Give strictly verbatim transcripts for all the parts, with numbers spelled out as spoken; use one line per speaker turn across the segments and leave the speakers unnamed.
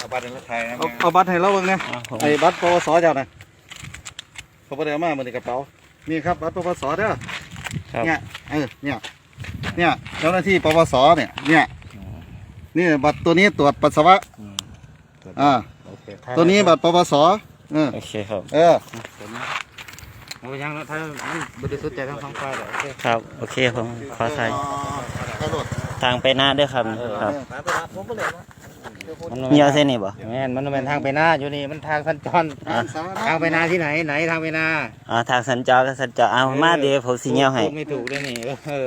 เอาบัตรในรถไทยนะ
เอาเอาบัตรให้เราเบิ่งนะไอ้บัตรปวสเจ้านะเขาบ่ได้เอามาเหมือนในกระเป๋านี่ครับบัตรปวสเด้อเนี่ยเออเนี่ยเนี่ยเจ้าหน้าที่ปวสเนี่ยเนี่ยนี่บัตรตัวนี้ตรวจปัสสาวะอ่าตัวนี้บัตรปวสเออ
โอเคครับ
เออ
โอ้ยังถ้ามันบริสุทธิ์ใจทั้งสองฝ่ายเลยโอเค
ครับโอเคผมขอใส่
ใครโหลด
ทางไปหน้าด้วยครับครับ
ผมบ่เลยนะ
มีเอาเส้นนี่บ่
แม่นมันเป็นทางไปหน้าอยู่นี่มันทางสัญจรทางไปหน้าที่ไหนไหนทางไปหน้า
อ่าทางสัญจรก็สัญจรเอามาเดี๋ยวผมสิเงียวให้
พูดไม่ถูกเลยนี่เออ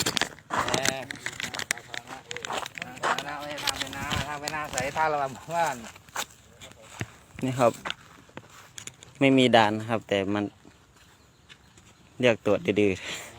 ทางไปหน้าทางไปหน้าใส่ท่าระบำบ้าน
นี่ครับ ไม่มีด่านครับ แต่มันเรียกตรวจดื้อ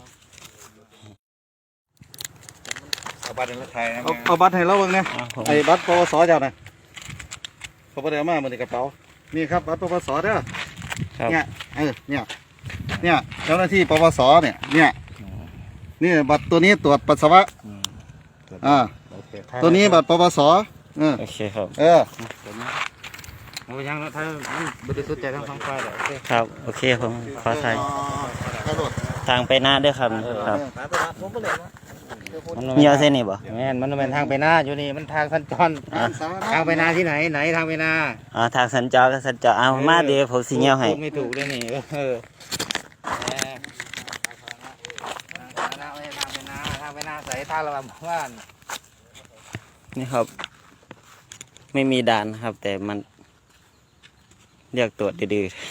เอาบัตรในรถไทยนะ
เอาเอาบัตรให้เราเบิ่งนะ
ๆผม
ไอ้บัตรปวสเจ้านะเขาบ่ได้เอามาเหมือนในกระเป๋านี่ครับบัตรปวสเด้อ
ครับ
เนี่ยเออเนี่ยเนี่ยเจ้าหน้าที่ปวสเนี่ยเนี่ยนี่บัตรตัวนี้ตรวจปัสสาวะอ่าตัวนี้บัตรปวสเออ
โอเคครับ
เออ
โอ้ยังถ้ามันบริสุทธิ์ใจทั้งสองฝ่ายเลยโอเค
ครับโอเคผมขอใส่
ใครโหลด
ทางไปหน้าด้วยครับครับ
ผมบ่เลยนะ
มีเอาเส้นนี่บ่
แม่นมันเป็นทางไปหน้าอยู่นี่มันทางสัญจรทางไปหน้าที่ไหนไหนทางไปหน้า
อ่าทางสัญจรก็สัญจรเอามาเดี๋ยวผมสิเงียวให้
พูดไม่ถูกเลยนี่เออทางไปหน้าทางไปหน้าใส่ท่าระบำบ้าน
นี่ครับ ไม่มีด่านครับ แต่มันเรียกตรวจดื้อๆ